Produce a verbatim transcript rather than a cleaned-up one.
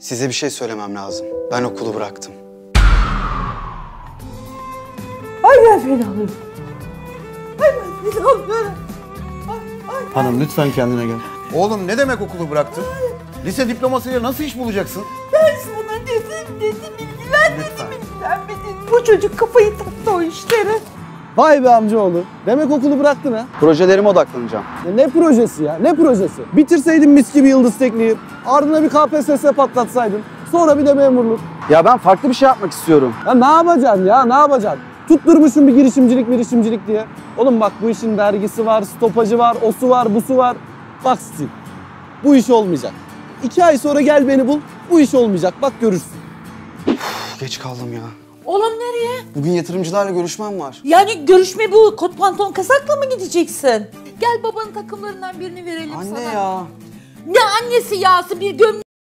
Size bir şey söylemem lazım. Ben okulu bıraktım. Ay ben fenalıyorum. Ay ben fenalıyorum. Hanım lütfen kendine gel. Oğlum ne demek okulu bıraktın? Lise diplomasıyla nasıl iş bulacaksın? Ben sana dedim dedim ilgilen dedim ilgilenmedin. Bu çocuk kafayı taktı o işlere. Vay be amcaoğlu. Demek okulu bıraktın ha. Projelerime odaklanacağım. Ya ne projesi ya? Ne projesi? Bitirseydin mis gibi Yıldız Tekniği. Ardına bir K P S S patlatsaydın. Sonra bir de memurluk. Ya ben farklı bir şey yapmak istiyorum. Ya ne yapacaksın ya? Ne yapacaksın? Tutturmuşsun bir girişimcilik girişimcilik diye. Oğlum bak bu işin dergisi var, stopajı var, osu var, busu var. Bak Steve, bu iş olmayacak. İki ay sonra gel beni bul, bu iş olmayacak. Bak görürsün. Uf, geç kaldım ya. Oğlum nereye? Bugün yatırımcılarla görüşmem var. Yani görüşme bu kot pantolon kasakla mı gideceksin? Gel babanın takımlarından birini verelim Anne sana. ya. Ne annesi yası bir gömlek